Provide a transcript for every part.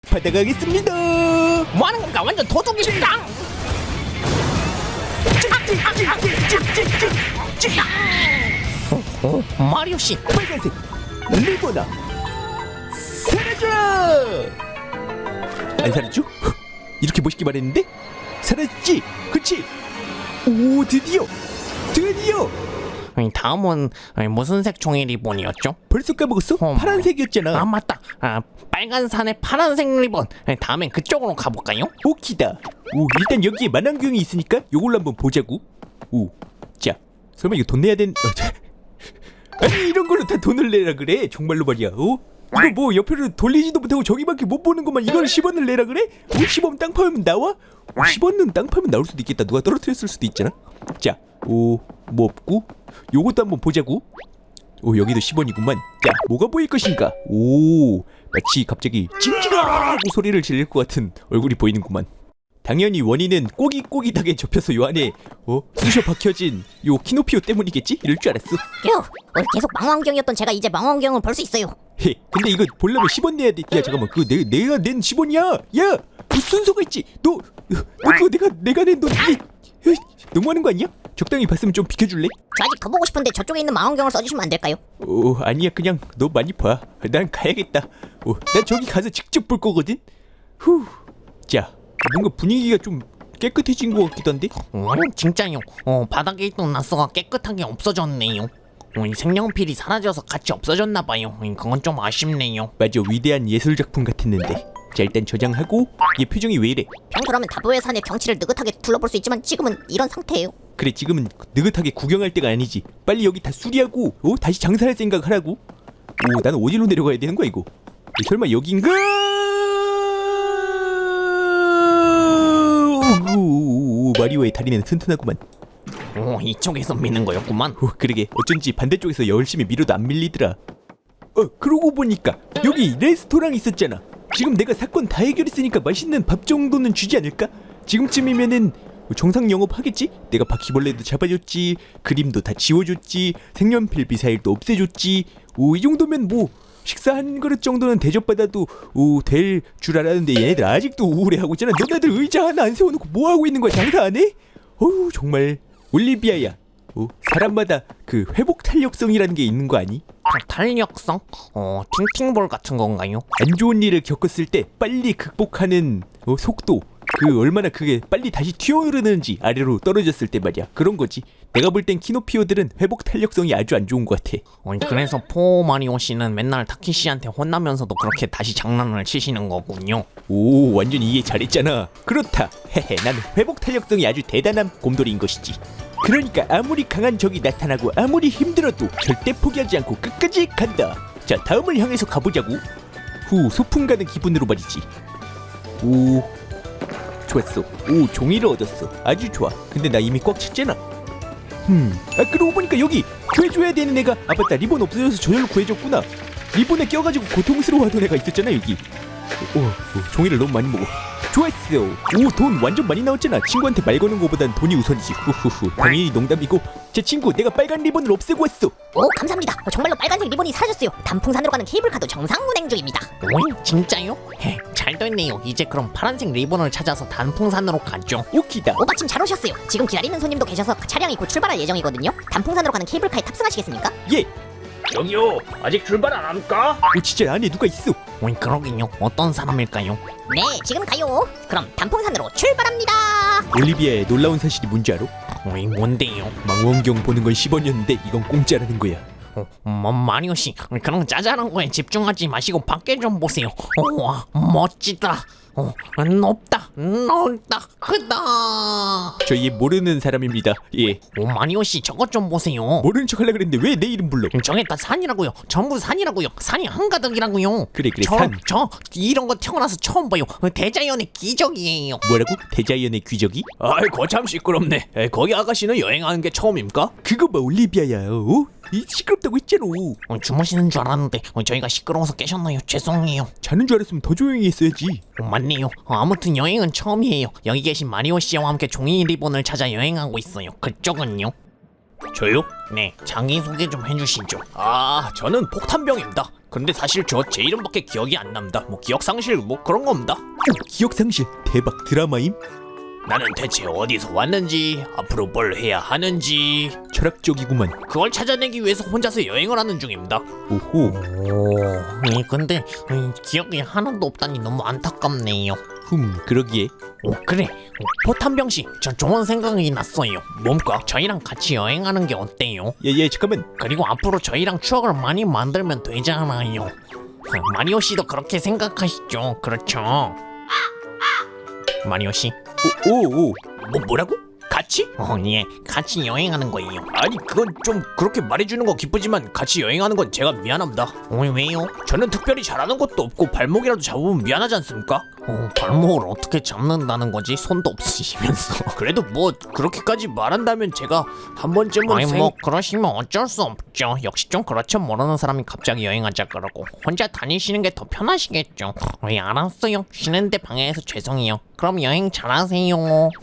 받아가겠습니다. 뭐하는 건가? 완전 도둑입니다. 마리오 씨, 빨간색 리보나 사라져. 안 사라져? 이렇게 멋있게 말했는데 사라졌지? 그치? 오, 드디어 다음은 무슨 색 종이 리본이었죠? 벌써 까먹었어? 파란색이었잖아. 아 맞다. 빨간 산의 파란색 리본. 다음엔 그쪽으로 가볼까요? 오키다. 오, 일단 여기에 만환경이 있으니까 요걸로 한번 보자고. 오, 자, 설마 이거 돈 내야 되는? 아니 이런 걸로 다 돈을 내라 그래? 정말로 말이야. 이거 뭐 옆으로 돌리지도 못하고 저기밖에 못 보는 것만 이걸 10원을 내라 그래? 50원 땅 파면 나와? 50원은 땅 파면 나올 수도 있겠다. 누가 떨어뜨렸을 수도 있잖아. 자, 뭐 없고 요것도 한번 보자고. 오, 여기도 10원이구만. 자, 뭐가 보일 것인가? 오, 마치 갑자기 찡찡하고 소리를 지를 것 같은 얼굴이 보이는구만. 당연히 원인은 꼬깃꼬깃하게 접혀서 요 안에 쑤셔 박혀진 요 키노피오 때문이겠지? 이럴 줄 알았어. 휴, 오늘 계속 망원경이었던 제가 이제 망원경을 볼 수 있어요. 헤, 근데 이거 보려면 10원 내야 돼. 야, 잠깐만, 그거 내가 낸 10원이야. 야, 순서가 있지. 너 그거 내가 낸 돈. 너무하는 거 아니야? 적당히 봤으면 좀 비켜줄래? 저 아직 더 보고 싶은데 저쪽에 있는 망원경을 써주시면 안 될까요? 아니야, 그냥 너 많이 봐. 난 가야겠다. 난 저기 가서 직접 볼 거거든. 자, 뭔가 분위기가 좀 깨끗해진 것 같기도 한데? 진짜요. 바닥에 있던 나스가 깨끗하게 없어졌네요. 이 색연필이 사라져서 같이 없어졌나봐요. 그건 좀 아쉽네요. 맞아, 위대한 예술 작품 같았는데. 자, 일단 저장하고. 얘 표정이 왜 이래? 평소라면 다보의 산의 경치를 느긋하게 둘러볼 수 있지만 지금은 이런 상태예요. 그래, 지금은 느긋하게 구경할 때가 아니지. 빨리 여기 다 수리하고 다시 장사할 생각하라고. 나는 어디로 내려가야 되는 거야 이거? 설마 여긴가? 마리오의 다리는 튼튼하구만. 이쪽에서 미는 거였구만. 그러게, 어쩐지 반대쪽에서 열심히 밀어도 안 밀리더라. 그러고 보니까 여기 레스토랑 있었잖아. 지금 내가 사건 다 해결했으니까 맛있는 밥 정도는 주지 않을까? 지금쯤이면은 정상 영업하겠지? 내가 바퀴벌레도 잡아줬지, 그림도 다 지워줬지, 색연필 미사일도 없애줬지. 이 정도면 뭐 식사 한 그릇 정도는 대접받아도 될 줄 알았는데 얘네들 아직도 우울해하고 있잖아. 너네들 의자 하나 안 세워놓고 뭐하고 있는 거야? 장사 안 해? 정말. 올리비아야, 사람마다 그 회복 탄력성이라는 게 있는 거 아니? 탄력성? 팅팅볼 같은 건가요? 안 좋은 일을 겪었을 때 빨리 극복하는 속도, 얼마나 그게 빨리 다시 튀어오르는지, 아래로 떨어졌을 때 말이야. 그런 거지. 내가 볼 땐 키노피오들은 회복 탄력성이 아주 안 좋은 것 같아. 그래서 포마리오 씨는 맨날 타키 씨한테 혼나면서도 그렇게 다시 장난을 치시는 거군요. 오, 완전 이해 잘했잖아. 그렇다. 헤헤, 나는 회복 탄력성이 아주 대단한 곰돌이인 것이지. 그러니까 아무리 강한 적이 나타나고 아무리 힘들어도 절대 포기하지 않고 끝까지 간다. 자, 다음을 향해서 가보자고. 소풍 가는 기분으로 말이지. 좋았어. 종이를 얻었어. 아주 좋아. 근데 나 이미 꽉 찼잖아. 그러고 보니까 여기 구해줘야 되는 애가, 맞다, 리본 없어져서 저절로 구해줬구나. 리본에 껴가지고 고통스러워하던 애가 있었잖아 여기. 종이를 너무 많이 먹어. 좋았어. 돈 완전 많이 나왔잖아. 친구한테 말 거는 거보단 돈이 우선이지. 당연히 농담이고. 제 친구, 내가 빨간 리본을 없애고 왔어. 감사합니다. 정말로 빨간색 리본이 사라졌어요. 단풍산으로 가는 케이블카도 정상 운행 중입니다. 진짜요? 잘 됐네요. 이제 그럼 파란색 리본을 찾아서 단풍산으로 가죠. 오키다. 마침 잘 오셨어요. 지금 기다리는 손님도 계셔서 차량이 곧 출발할 예정이거든요. 단풍산으로 가는 케이블카에 탑승하시겠습니까? 예. 저기요, 아직 출발 안 합니까? 진짜 안에 누가 있어. 그러긴요. 어떤 사람일까요? 네, 지금 가요. 그럼 단풍산으로 출발합니다. 올리비아의 놀라운 사실이 뭔지 알아? 뭔데요? 망원경 보는 건 10원이었는데 이건 공짜라는 거야. 마리오 씨, 그런 짜잘한 거에 집중하지 마시고 밖에 좀 보세요. 와, 멋지다. 높다, 넓다, 크다. 저 얘 모르는 사람입니다. 예. 마리오 씨, 저것 좀 보세요. 모르는 척 하려고 그랬는데 왜 내 이름 불러? 저게 다 산이라고요. 전부 산이라고요. 산이 한가득이라고요. 그래, 산. 저 이런 거 태어나서 처음 봐요. 대자연의 기적이에요. 뭐라고? 대자연의 귀적이? 아이고 참 시끄럽네. 거기 아가씨는 여행하는 게 처음입니까? 그거 봐, 올리비아야. 이 시끄럽다고 했잖아. 주무시는 줄 알았는데 저희가 시끄러워서 깨셨나요? 죄송해요. 자는 줄 알았으면 더 조용히 했어야지. 맞네요. 아무튼 여행은 처음이에요. 여기 계신 마리오 씨와 함께 종이 리본을 찾아 여행하고 있어요. 그쪽은요? 저요? 네, 자기소개 좀 해주시죠. 저는 폭탄병입니다. 근데 사실 저 제 이름밖에 기억이 안 납니다. 뭐 기억 상실 뭐 그런 겁니다. 오, 기억상실 대박 드라마임. 나는 대체 어디서 왔는지, 앞으로 뭘 해야 하는지 철학적이구만. 그걸 찾아내기 위해서 혼자서 여행을 하는 중입니다. 오호. 근데 기억이 하나도 없다니 너무 안타깝네요. 그러기에. 그래. 포탄병 씨, 저 좋은 생각이 났어요. 뭡니까? 저희랑 같이 여행하는 게 어때요? 예, 잠깐만. 그리고 앞으로 저희랑 추억을 많이 만들면 되잖아요. 마리오 씨도 그렇게 생각하시죠? 그렇죠? 마리오 씨, 오. 뭐라고? 같이? 예, 같이 여행하는 거예요. 아니 그건 좀 그렇게 말해주는 거 기쁘지만 같이 여행하는 건 제가 미안합니다. 왜요? 저는 특별히 잘하는 것도 없고 발목이라도 잡으면 미안하지 않습니까? 발목을 어떻게 잡는다는 거지? 손도 없으시면서. 그래도 뭐 그렇게까지 말한다면 제가 한 번쯤은 아니 뭐 그러시면 어쩔 수 없죠. 역시 좀 그렇죠. 모르는 사람이 갑자기 여행하자 그러고 혼자 다니시는 게 더 편하시겠죠. 알았어요. 쉬는데 방해해서 죄송해요. 그럼 여행 잘하세요.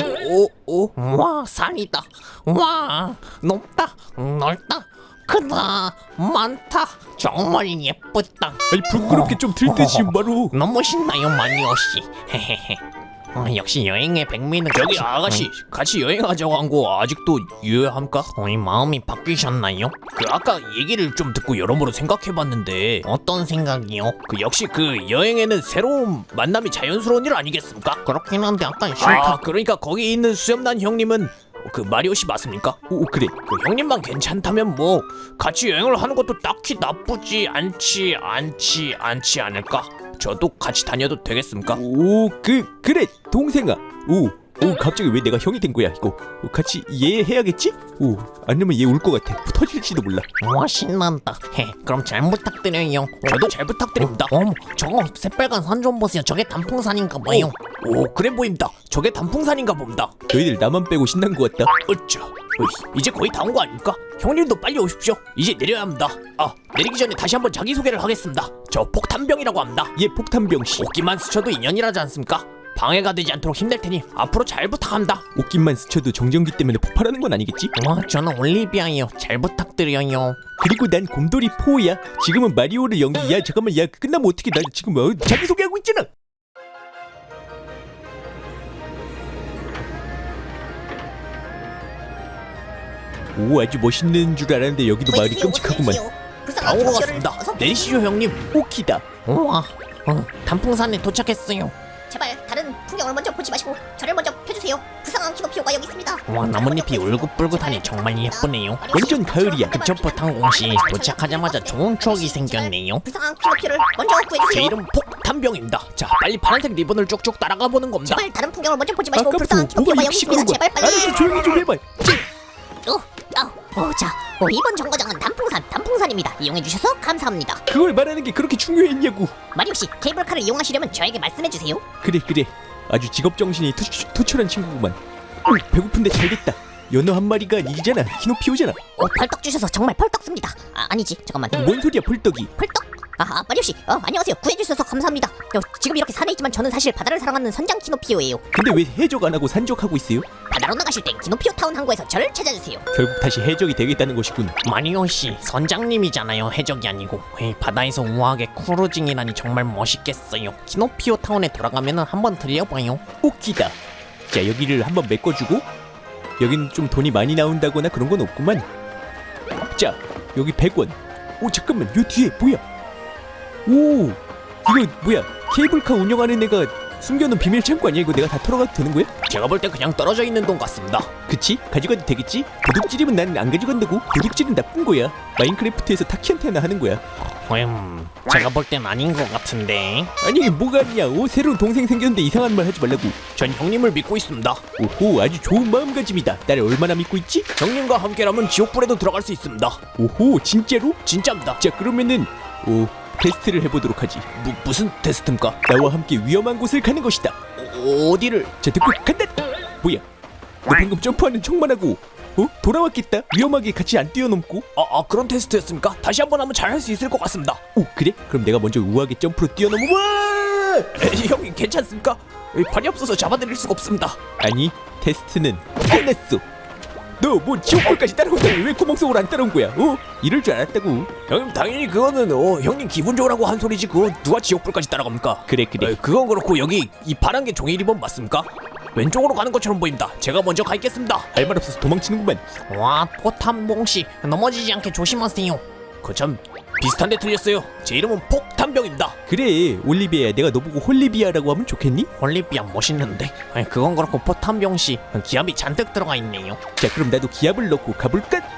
와 산이다. 와 높다 넓다 크다 많다 정말 예쁘다. 아니 부끄럽게 좀 들듯이 바로. 너무 신나요 마리오 씨. 헤헤헤. 역시 여행의 백미는 저기 아가씨 같이 여행하자고 한 거 아직도 유효합니까? 마음이 바뀌셨나요? 그 아까 얘기를 좀 듣고 여러모로 생각해봤는데 어떤 생각이요? 그 역시 그 여행에는 새로운 만남이 자연스러운 일 아니겠습니까? 그렇긴 한데 약간 싫다. 그러니까 거기 있는 수염난 형님은 그 마리오 씨 맞습니까? 오, 그래. 그 형님만 괜찮다면 뭐 같이 여행을 하는 것도 딱히 나쁘지 않지 않을까? 저도 같이 다녀도 되겠습니까? 오, 그래 동생아. 오, 갑자기 왜 내가 형이 된 거야 이거. 같이 이해해야겠지? 오, 아니면 얘 울 것 같아. 터질지도 몰라. 와 신난다. 그럼 잘 부탁드려요. 저도 잘 부탁드립니다. 어머 저거 새빨간 산 좀 보세요. 저게 단풍산인가 봐요. 오 그래 보입니다. 저게 단풍산인가 봅니다. 너희들 나만 빼고 신난 것 같다. 어쩌 이제 거의 다 온 거 아닙니까? 형님도 빨리 오십시오. 이제 내려야 합니다. 내리기 전에 다시 한번 자기소개를 하겠습니다. 저 폭탄병이라고 합니다. 얘 폭탄병 씨. 옷깃만 스쳐도 인연이라지 않습니까? 방해가 되지 않도록 힘낼 테니 앞으로 잘 부탁합니다. 옷깃만 스쳐도 정전기 때문에 폭발하는 건 아니겠지? 와 저는 올리비아예요. 잘 부탁드려요. 그리고 난 곰돌이 포야. 지금은 마리오를 연기. 야 잠깐만, 야 끝나면 어떻게? 나 지금 자기소개하고 있잖아. 오, 아주 멋있는 줄 알았는데 여기도 마을이 끔찍하구만. 다 온 것 같습니다. 내리시죠 형님. 오키다. 우와 단풍산에 도착했어요. 제발 다른 풍경을 먼저 보지 마시고 저를 먼저 펴주세요. 불쌍한 키노피오가 여기 있습니다. 와 나뭇잎이 울긋불긋하니 정말 예쁘네요. 완전 가을이야. 그쵸 포탄공씨 도착하자마자 좋은 추억이 생겼네요. 불쌍한 키노피오를 먼저 제 구해주세요. 이름 폭탄병입니다. 자 빨리 파란색 리본을 쭉쭉 따라가 보는 겁니다. 제발 다른 풍경을 먼저 보지 마시고 아까 불쌍한 키노피오가 보고 여기 있습니다. 시끄러운 거야. 제발 빨리. 알았어, 조용히 좀 해봐. 이번 정거장은 단풍산입니다. 이용해주셔서 감사합니다. 그걸 말하는 게 그렇게 중요했냐고. 마리오씨 케이블카를 이용하시려면 저에게 말씀해주세요. 그래. 아주 직업정신이 투철한 친구구만. 배고픈데 잘됐다. 연어 한 마리가 이잖아. 키노피오잖아. 펄떡 주셔서 정말 펄떡 씁니다. 아니지 잠깐만. 뭔 소리야 펄떡이. 펄떡? 마리오씨 안녕하세요. 구해주셔서 감사합니다. 지금 이렇게 산에 있지만 저는 사실 바다를 사랑하는 선장 키노피오예요. 근데 왜 해적 안 하고 산적하고 있어요? 바다로 나가실 땐 키노피오 타운 항구에서 저를 찾아주세요. 결국 다시 해적이 되겠다는 것이군. 마리오씨 선장님이잖아요. 해적이 아니고. 바다에서 우아하게 크루징이라니 정말 멋있겠어요. 키노피오 타운에 돌아가면 한번 들려봐요. 오키다. 자, 여기를 한번 메꿔주고. 여긴 좀 돈이 많이 나온다거나 그런 건 없구만. 자, 여기 100원. 오 잠깐만, 요 뒤에 뭐야? 오, 이거 뭐야? 케이블카 운영하는 애가 숨겨놓은 비밀 창고 아니야? 이거 내가 다 털어가도 되는 거야? 제가 볼 때 그냥 떨어져 있는 돈 같습니다. 그치? 가져가도 되겠지? 도둑질이면 난 안 가져간다고. 도둑질은 나쁜 거야. 마인크래프트에서 타키한테 하나 하는 거야. 제가 볼 땐 아닌 것 같은데. 아니 이게 뭐가 아니야. 새로운 동생 생겼는데 이상한 말 하지 말라고. 전 형님을 믿고 있습니다. 오호, 아주 좋은 마음가짐이다. 나를 얼마나 믿고 있지? 형님과 함께라면 지옥불에도 들어갈 수 있습니다. 오호, 진짜로? 진짜입니다. 자, 그러면은 테스트를 해보도록 하지. 무슨 테스트입니까? 나와 함께 위험한 곳을 가는 것이다. 어디를? 자, 듣고 간다. 뭐야? 너 방금 점프하는 척만 하고 돌아왔겠다. 위험하게 같이 안 뛰어넘고. 그런 테스트였습니까? 다시 한번 하면 잘 할 수 있을 것 같습니다. 오, 그래? 그럼 내가 먼저 우아하게 점프로 뛰어넘어. 와! 형님 괜찮습니까? 발이 없어서 잡아드릴 수가 없습니다. 아니, 테스트는 끝났어. 너 너 뭐 지옥불까지 따라온다면 왜 구멍속으로 안 따라온 거야? 이럴 줄 알았다고. 형님 당연히 그거는 형님 기분 좋으라고 한 소리지 그거 누가 지옥불까지 따라갑니까? 그래. 그건 그렇고 여기 이 파란 게 종이 리본 맞습니까? 왼쪽으로 가는 것처럼 보입니다. 제가 먼저 가겠습니다. 할 말 없어서 도망치는구만. 와 포탄봉씨 넘어지지 않게 조심하세요. 그참 비슷한데 틀렸어요. 제 이름은 폭탄병입니다. 그래 올리비아야, 내가 너보고 홀리비아라고 하면 좋겠니? 홀리비아 멋있는데. 아니, 그건 그렇고 포탄병씨 기압이 잔뜩 들어가 있네요. 자 그럼 나도 기압을 넣고 가볼까?